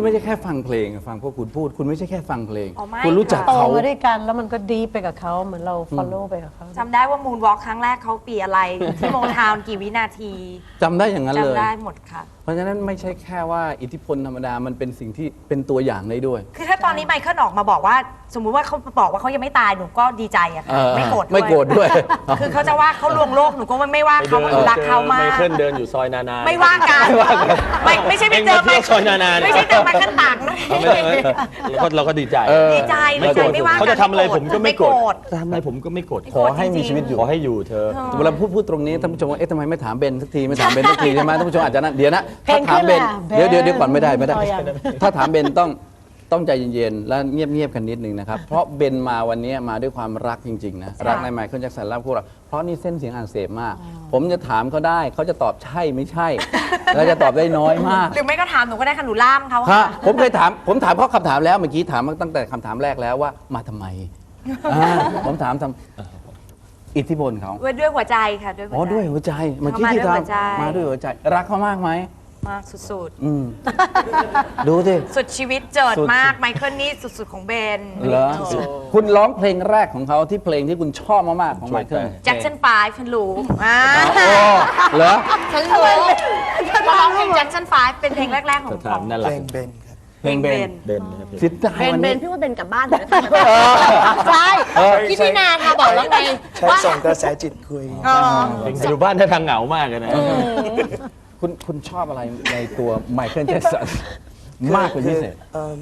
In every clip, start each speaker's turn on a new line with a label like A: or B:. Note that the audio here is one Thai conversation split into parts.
A: ไม่ใช่แค่ฟังเพลงฟังพวกคุณพูดคุณไม่ใช่แค่ฟังเพลง
B: อ๋อไม่
A: คุณรู้จัก
B: ค่ะ
C: โต
A: เขา
C: มาด้วยกันแล้วมันก็ดีไปกับเขาเหมือนเรา follow ไปกับเขา
B: จำได้ว่ามูนวอล์กครั้งแรกเขาปีอะไร ที่โมทาวน์กี่วินาที
A: จำได้อย่างนั้นเลย
B: จำได้หมดค่ะ
A: เพราะฉะนั้นไม่ใช่แค่ว่าอิทธิพลธรรมดามันเป็นสิ่งที่เป็นตัวอย่างได้ด้วย
B: คือถ้าตอนนี้ไมเคิลออกมาบอกว่า สมมุติว่าเขาบอกว่าเขายังไม่ตายหนูก็ดีใจอะค่ะ ไม่โกรธด้วย
A: ไม่โกรธด้วย
B: คือเขาจะว่าเขาลวงโลกหนูก็ไม่ว่าเขาว่าหนูรักเขามา
D: ไม
B: ก
D: เคิลเดินอยู่ซอยนานา
B: ไม่ว่ากันไม่ใช่ไปเจอ
D: เอ็งมาเที่ยวซอยนานา
B: ไม่ใช่เจอไมเคิลต่างนะ
D: เราก็ดีใจ
B: ดีใจดีใจไม่ว่ากัน
D: เขาจะทำอะไรผมก็ไม่โกรธ
B: ธ
D: ทำอะไรผมก็ไม่โกรธ
A: ขอให้มีชีวิตอยู่
D: ขอให้อยู่เธอ
A: เวลาพูดตรงนี้ท่านผู้ชมว่าเอ๊ะทำไมไม่ถามเบนสักทีไม่ถามเบนสักทีใช่ไหมท่านผู้ชมอาจจะนั่นเดี๋ยวนะ
C: เพล
A: ถ้าง ถามเบน
C: ขึ้นแล้ว
A: เดี๋ยวก่อนไม่ได้
C: เอายัง
A: ถ้าถามเบนต้องใจเย็นๆและเงียบๆกันนิดนึงนะครับเพราะเบนมาวันนี้มาด้วยความรักจริงๆนะรักในไมเคิลแจ็คสันรักพวกเราเพราะนี่เส้นเสียงอักเสบมาก ผมจะถามเขาได้เขาจะตอบใช่ไม่ใช่แล้วจะตอบได้น้อยมาก
B: หรือไม่ก็ถามหนูก็ได้ค่ะหนูล่ามเขา
A: ฮะ
B: ค่ะ
A: ผมเคยถามเขาคำถามแล้วเมื่อกี้ถามมาตั้งแต่คำถามแรกแล้วว่ามาทำไมผมถามทำอิทธิพลเขา
B: ด้วยหัวใจค่ะด้วยหัวใจ
A: อ๋อด้วยหัวใจเมื่อกี้ที่
B: เขามาด้วยหัวใจ
A: ทำมาด้วยหัวใจ รักเขามากไหม
B: มากสุด
A: อืมดูสิ
B: ๆ สุดชีวิตเจิด
A: สุด
B: มากไมเคิลนี่สุดๆของเบน
A: เหรอคุณร้องเพลงแรกของเขาที่เพลงที่คุณชอบมากๆของไมเคิล
B: แจ็คสัน5ฉันรู้
A: โอ้เหรอ
B: ฉันรู้ร้องเพลงแจ็คสัน5เป็นเพลงแรกๆของ
D: ถามนั่นแห
E: เพ
D: ละ
E: ลงเบนครับ
A: เพลงเบน
D: เบนนะครับ
A: สิทธิ์ได้
F: เบน
A: วัน
F: เบ
A: นี้
F: นพี่ว่าเบนกลับบ้านเถอะ
B: ใช่พี่ตินาค่ะบอกแล้วไง
E: ใช้ส่งกระแสจิตคุย
D: อยู่บ้านท่าทางเหงามากเลยนะ
A: คุณชอบอะไรในตัวไมเคิลแจ็คสันมากเป็นพิเศษ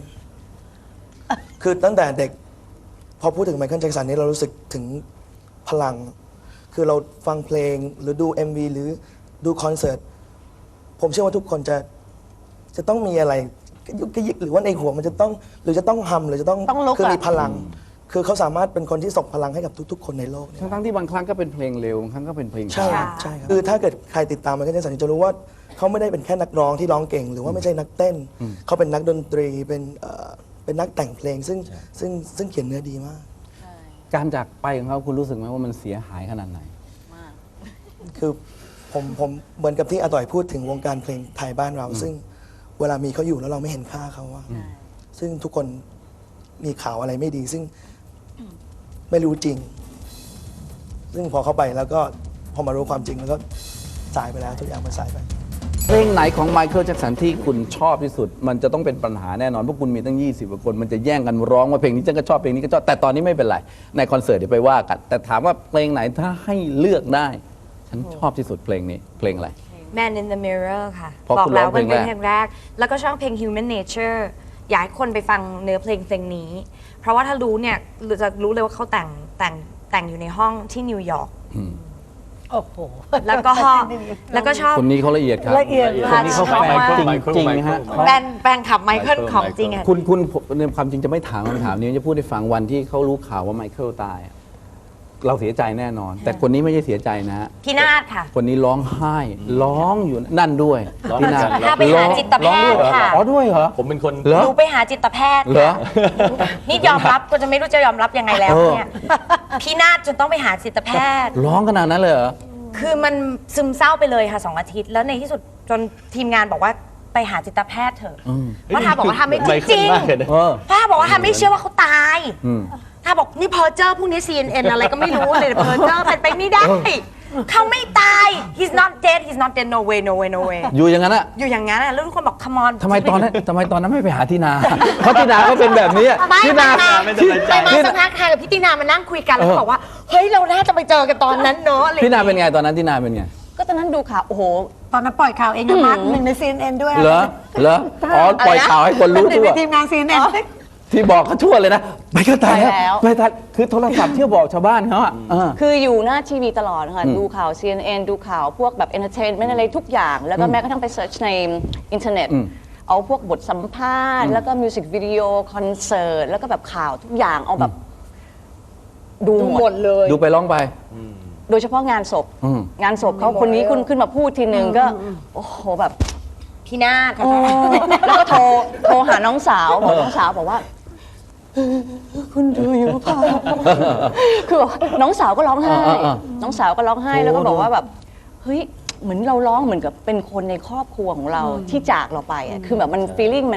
E: คือตั้งแต่เด็ก พอพูดถึงไมเคิลแจ็คสันนี่เรารู้สึกถึงพลัง คือเราฟังเพลงหรือดู MV หรือดูคอนเสิร์ต ผมเชื่อว่าทุกคนจะต้องมีอะไรกระยุกกระยิกหรือว่าในหัวมันจะต้องหรือจะต้องฮัมหรือจะต้อง
C: ต้องลุก
E: คือ
C: อะ
E: มีพลัง คือเขาสามารถเป็นคนที่ส่งพลังให้กับทุก ๆ คนในโลกเนี่ย
A: ทั้งๆที่บางครั้งก็เป็นเพลงเร็วบางครั้งก็เป็นเพลง
E: ใช่
A: ช้า
E: ใช่ครับคือถ้าเกิดใครติดตามไมเคิลแจ็คสันจะรู้ว่าเขาไม่ได้เป็นแค่นักร้องที่ร้องเก่ง หรือว่าไม่ใช่นักเต้น เขาเป็นนักดนตรีเป็นนักแต่งเพลงซึ่งเขียนเนื้อดีมาก
A: การจากไปของเขาคุณรู้สึกไหมว่ามันเสียหายขนาดไหน
E: คือผมเหมือนกับที่อาต่อยพูดถึงวงการเพลงไทยบ้านเรา ซึ่งเวลามีเขาอยู่แล้วเราไม่เห็นค่าเขาว่าซึ่งทุกคนมีข่าวอะไรไม่ดี ซึ่งไม่รู้จริง ซึ่งพอเข้าไปแล้วก็พอมารู้ความจริงแล้วก็สายไปแล้วทุกอย่างมันสายไป
A: เพลงไหนของไมเคิลแจ็คสันที่คุณชอบที่สุด มันจะต้องเป็นปัญหาแน่นอนเพราะคุณมีตั้ง 20 กว่าคน มันจะแย่งกันร้องว่าเพลงนี้ฉันก็ชอบเพลงนี้ก็ชอบแต่ตอนนี้ไม่เป็นไรในคอนเสิร์ตเดี๋ยวไปว่ากัน แต่ถามว่าเพลงไหนถ้าให้เลือกได้ ฉันชอบที่สุดเพลงนี้เพลงอะไร
B: Man in the Mirror ค่ะ
A: เพราะ
B: บอ
A: คุ
B: ก
A: ณ
B: แล้ว
A: ร้องเพล
B: มัน
A: ง
B: เป็น
A: แรก
B: เพลงแรก แล้วก็ชอบเพลง Human Nature อยากให้คนไปฟังเนื้อเพลงนี้ เพราะว่าถ้ารู้เนี่ยจะรู้เลยว่าเขาแต่งอยู่ในห้องที่นิวยอร์ก
C: โอ้โห
B: แล้วก็ชอบ
A: คนนี้เขาละเอียดครับ
C: ละเอียด
A: คนนี้เขาแฟนจริงๆฮะ
B: แฟนขับไมเคิลของจริงอะ
A: คุณในความจริงจะไม่ถามคำถามนี้จะพูดให้ฟังวันที่เขารู้ข่าวว่าไมเคิลตายเราเสียใจแน่นอน แต่คนนี้ไม่ใช่เสียใจนะฮะ
B: พี่นาฏค่ะ
A: คนนี้ร้องไห้ร้องอยู่นั่นด้วย
D: ร้อง
A: พี่นา
B: พาไปหาจิตแพทย์ค่ะ
A: อ๋อด้วยเหรอ
D: ผมเป็นคน
A: เหรอ
B: หนูไปหาจิตแพทย์
A: เหรอ
B: นี่ยอมรับก็จะไม่รู้จะยอมรับยังไงแล้วเนี่ยพี่นาฏจนต้องไปหาจิตแพทย์
A: ร้องขนาดนั้นเลยเหรอ
B: คือมันซึมเศร้าไปเลยค่ะ2 อาทิตย์ แล้วในที่สุดจนทีมงานบอกว่าไปหาจิตแพทย์เถอะเพราะทาบอกว่าทาไม่
D: ไม
B: จ
D: เคิล
B: ริง
D: มากเลยนะ
A: เออ
B: เพราะทาบอกว่าทาไม่เชื่อว่าเขาตาย
A: อืม
B: ทาบอกนี่เพอเจอพวกนี้ CNN อะไรก็ไม่รู้เลยเพอเจอเป็นไปไม่ได้ เขาไม่ตาย he's not dead he's not dead no way no way no way
A: อยู่อย่างนั้นอะ
B: อยู่อย่างนั้นอะแล้วทุกคนบอก come on
A: ทำไมตอนนั้นไม่ไปหาที่นา เพราะที่นาก็เป็นแบบนี้อะ
B: ไม่
A: ที่นา
D: ไม่สบายใจ
B: ไปมาสักพักค่ะกับพี่ตินามานั่งคุยกันแล้วบอกว่าเฮ้ยเราน่าจะไปเจอกันตอนนั้นเนาะอะไร
A: ที่นาเป็นไงตอนนั้นที่นาเป็นไง
F: ก็ตอนนั้นดูข่าวโอ้โห
C: ตอนนั้นปล่อยข่าวเองนะมาร์คหนึ่งใน CNN ด้วย
A: เหรออ๋อปล่อยข่าวให้คนรู้
C: หนึ่ง
A: ทั่ว
C: ในทีมงาน CNN
A: ที่บอกเขาทั่วเลยนะไม่ก็ตาย
F: ไปแล้
A: แล้ว
F: ว
A: ไม่ตายคือโทรศัพท์เที่ยวบอกชาวบ้านเขาอะเออ
F: คืออยู่หน้าทีวีตลอดค่ะ ดูข่าว CNN ดูข่าวพวกแบบเอนเตอร์เทนเมนต์อะไรทุกอย่าง แล้วก็แม้กระทั่งไปเซิร์ชในอินเทอร์เน็ต เอาพวกบทสัมภาษณ์ แล้วก็มิวสิกวิดีโอคอนเสิร์ต แล้วก็แบบข่าวทุกอย่างเอาแบบดูหมดเลย
A: ดูไปร้องไป
F: โดยเฉพาะงานศพ
A: อืม
F: งานศพเขาคนนี้ขึ้นมาพูดทีนึงก็ โอ้โหแบบ
B: พี่นาฏ
F: แล้วก็โทรหาน้องสาวบอกน้องสาวบอกว่าคุณดูอยู่เปล่าคือแบบน้องสาวก็ร้องไห้ น้องสาวก็ร้องไห้แล้วก็บอกว่าแบบเฮ้ยเหมือนเราร้องเหมือนกับเป็นคนในครอบครัวของเราที่จากเราไปอ่ะคือแบบมันฟีลลิ่งมัน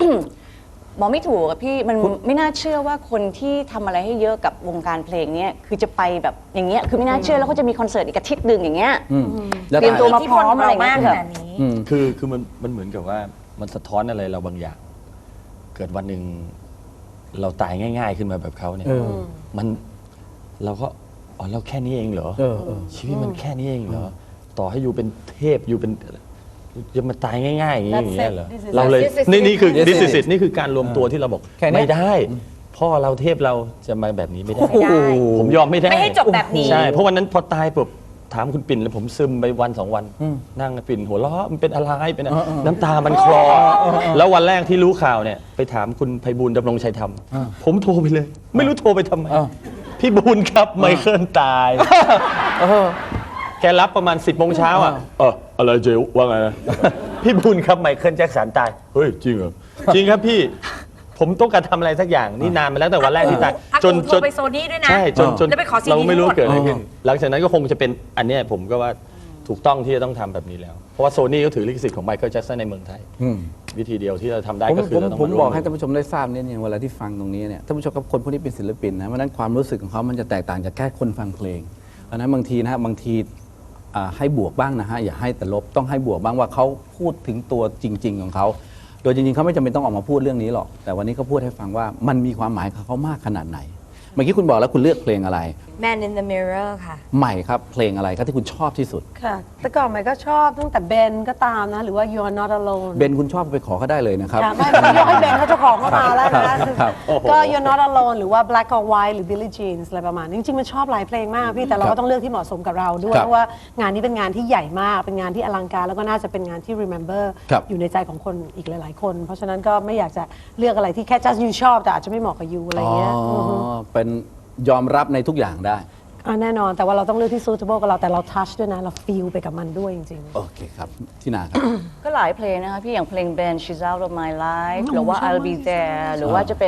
F: บอกไม่ถูกอะพี่มันไม่น่าเชื่อว่าคนที่ทำอะไรให้เยอะกับวงการเพลงเนี้ยคือจะไปแบบอย่างเงี้ยคือไม่น่าเชื่อแล้วเขาจะมีคอนเสิร์ตอีกอาทิตย์หนึ่งอย่างเงี้ย
A: แล้ว
F: เตรียมตัว
A: ถ่าย
F: มาพร้อมอะไร
B: มาก
F: เงี้ย
B: ขนาดนี้
D: คือมันเหมือนกับว่ามันสะท้อนอะไรเราบางอย่าง เกิดวันหนึ่งเราตายง่าย ๆ ขึ้นมาแบบเขาเนี่ยมันเราก็อ๋อเราแค่นี้เองเหรอชีวิตมันแค่นี้เองเหรอต่อให้อยู่เป็นเทพอยู่เป็นจะมาตายง่ายๆอย่างนี้อย่างเงี้ยเหรอ
C: This is
D: เราเลย
B: This is
D: นี่คือ
A: This is
D: this is it นี่คือการรวมตัวที่เราบอก
A: แค่เนี้ย
D: ไม่ได้ พ่อเราเทพเราจะมาแบบนี้ไม่ได้
B: ไม่ได้
D: ผมยอมไม่ได้
B: ไม่ให้จบแบบนี้
D: ใช่เพราะวันนั้นพอตายปุ๊บถามคุณปิ่นแล้วผมซึมไปวัน2 วันนั่งปิ่นหัวเราะมันเป็นอะไรเป็นอะไรน้ำตามันคลอแล้ววันแรกที่รู้ข่าวเนี่ยไปถามคุณไพบูลย์ดำรงชัยธรรมผมโทรไปเลย ไม่รู้โทรไปทำไมพี่บูลย์ครับไมเคิลตายแกรับประมาณ10 โมงเช้าอ่ะอะไรเจว่าไงนะ พี่บูลย์ครับไมเคิลแจ็คสันตายเฮ้ยจริงเหรอจริงครับพี่ผมต้องการทำอะไรสักอย่างนี่นานมาแล้วแต่วันแรกที่ตาย
B: จนโทรไปโซนี่ด้วยนะ
D: ใช่จน
B: แล้วไปขอ CD
D: เราไม่รู้ว่าเกิดอะไร
B: ทั้งหมด
D: ขึ้นหลังจากนั้นก็คงจะเป็นอันเนี้ยผมก็ว่าถูกต้องที่จะต้องทำแบบนี้แล้ว เพราะว่าโซนี่ก็ถือลิขสิทธิ์ของไมเคิลแจ็คสันในเมืองไทย วิธีเดียวที่เราทำได้ก็คือเราต้อง
A: ผม
D: ร่ว
A: บอกให้ท่านผู้ชมได้ทราบเนี่ยเวลาที่ฟังตรงนี้เนี่ยท่านผู้ชมกับคนพวกนี้เป็นศิลปินนะเพราะฉะนั้นความรู้สึกของเขามันจะแตกต่างจากแค่คนฟังเพลงเพราะฉะนั้นบางทีนะฮะบางทีให้บวกบ้างนะฮะอย่าให้แต่ลบต้องให้บวกบ้างว่าเขาพูดถึงตัวจริง ๆของเขาโดยจริงๆเขาไม่จำเป็นต้องออกมาพูดเรื่องนี้หรอกแต่วันนี้เขาพูดให้ฟังว่ามันมีความหมายกับเขามากขนาดไหนเมื่อกี้คุณบอกแล้วคุณเลือกเพลงอะไร
B: Man in the Mirror ค่ะ
A: ใหม่ครับเพลงอะไรครับที่คุณชอบที่สุด
C: ค่ะ แต่ก่อนใหม่ก็ชอบตั้งแต่เบนก็ตามนะ หรือว่า You Are Not Alone
A: เบนคุณชอบไปขอเขาได้เลยนะครับ
C: ค่ะไม่ไม่ยกให้เบนเขาเจะของเข้ามาแล้วนะ
A: ครับ
C: ก็ You're Not Alone หรือว่า Black or White หรือ Billie Jeans อะไรประมาณนี้จริงๆมันชอบหลายเพลงมากพี่แต่เราก็ต้องเลือกที่เหมาะสมกับเราด้วย
A: ครับ
C: เพราะว่างานนี้เป็นงานที่ใหญ่มากเป็นงานที่อลังการแล้วก็น่าจะเป็นงานที่ remember
A: ครับ
C: อยู่ในใจของคนอีกหลายๆคน เพราะฉะนั้นก็ไม่อยากจะเลือกอะไรที่แค่ just you ชอบแต่อาจจะไม่เหมาะกับ you อะไรเงี้ย
A: เป็นยอมรับในทุกอย่างได้
C: แน่นอนแต่ว่าเราต้องเลือกที่ suitable กับเราแต่เรา touch ด้วยนะเรา feel ไปกับมันด้วยจริงๆ
A: โอเคครับที่นาครับ
F: ก็หลายเพลงนะคะพี่อย่างเพลง Band She's Out of My Life หรือว่า I'll Be There หรือว่าจะเป็น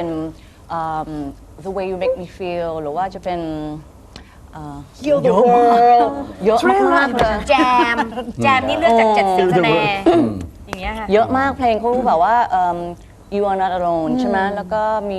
F: The Way You Make Me Feel หรือว่าจะเป็น Heal the World เยอะมากๆเลย
B: แจมนี่เลือกจาก70 คะแนนอย่างเงี้ยค่ะ
F: เยอะมากเพลงเขาแบบว่าYou Are Not Alone ใช่ไหมแล้วก็มี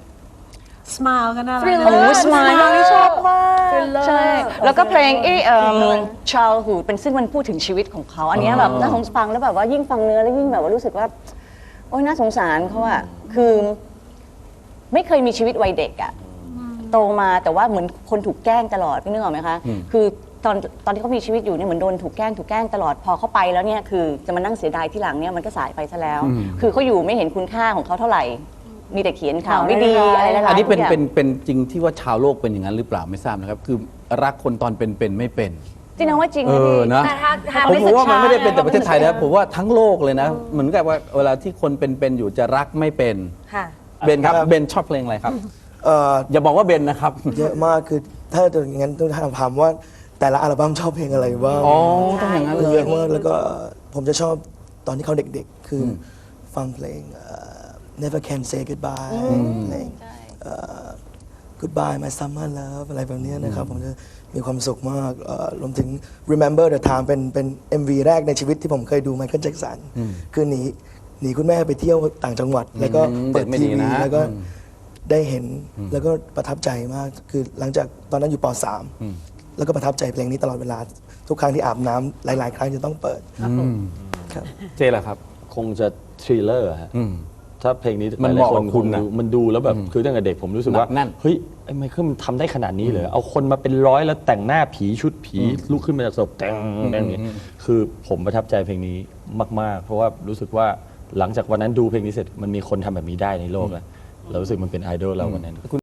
C: smile ก็น่ารัก
F: โอ้ Smile นี่ชอบมากใช่แล้วก็เพลงChildhood เป็นซึ่งมันพูดถึงชีวิตของเขาอันเนี้ยแบบน่าสงสารแล้วแบบว่ายิ่งฟังเนื้อแล้วยิ่งแบบว่ารู้สึกว่าโอ๊ยน่าสงสารเขาอะคือไม่เคยมีชีวิตวัยเด็กอะโตมาแต่ว่าเหมือนคนถูกแกล้งตลอดพี่นึกออกไหมคะคือตอนที่เขามีชีวิตอยู่เนี่ยเหมือนโดนถูกแกล้งตลอดพอเขาไปแล้วเนี่ยคือจะมานั่งเสียดายที่หลังเนี่ยมันก็สายไปซะแล้ว คือเขาอยู่ไม่เห็นคุณค่าของเขาเท่าไหร่มีแต่เขียนข่าวไม่ดีอะไรหลายๆ
A: อันนี้เป็น
F: อย่าง
A: เป็นจริงที่ว่าชาวโลกเป็นอย่างนั้นหรือเปล่าไม่ทราบนะครับ คือรักคนตอนเป็นไม่เป็น
F: จริงนะว่าจริง
A: เอ
F: นะ
A: อ
F: พี่
A: นะ
B: แต่ถ้า
A: ผมว่ามันไม่ได้เป็นแต่ประเทศไทยนะผมว่าทั้งโลกเลยนะ เหมือนกับว่าเวลาที่คนเป็นอยู่จะรักไม่เป็น
B: ค่ะ
A: เบนครับเบนชอบเพลงอะไรครับ
E: เอ่อ
A: อย่าบอกว่าเบนนะครับ
E: เยอะมากคือถ้าจะอย่างนั้นต้องถามว่าแต่ละอัลบั้มชอบเพลงอะไรบ้าง
A: อ๋อต้องอย่างนั้นเล
E: เย
A: ย
E: อะมากแล้วก็ผมจะชอบตอนที่เขาเด็กๆ คือฟังเพลงNever Can Say Goodbye เพลงGoodbye My Summer Love อะไรแบบนี้นะครับ ผมจะมีความสุขมากรวมถึง Remember the Time เป็น MV แรกในชีวิตที่ผมเคยดูไมเคิลแจ็คสันคือหนีคุณแม่ไปเที่ยวต่างจังหวัด แล้วก็เปิด
A: เด็กไม่
E: ที
A: ดี
E: วี
A: นะ
E: แล้วก็ได้เห็นแล้วก็ประทับใจมาก คือหลังจากตอนนั้นอยู่ป .3 แล้วก็ประทับใจเพลงนี้ตลอดเวลา ทุกครั้งที่อาบน้ำหลายๆ ครั้งจะต้องเปิดครับ
A: เจล่ะครับ
D: คงจะทริลเลอร์ฮะถ้าเพลงนี้
A: มัน
D: ห
A: เห
D: ลาย
A: มาะ
D: ๆค
A: กับ
D: น
A: คุณนะ
D: มันดูแล้วแบบคือตั้งแต่เด็กผมรู้สึกว่า
A: แน่น
D: เฮ้ยไอ้ไมเคิลมันทำได้ขนาดนี้เลยเอาคนมาเป็นร้อยแล้วแต่งหน้าผีชุดผีลุกขึ้นมาจากศพแต่งอย่างนี้คือผมประทับใจเพลงนี้มากๆ เพราะว่ารู้สึกว่าหลังจากวันนั้นดูเพลงนี้เสร็จมันมีคนทำแบบนี้ได้ในโลกแล้วเรารู้สึกมันเป็นไอดอลเราวันนั้น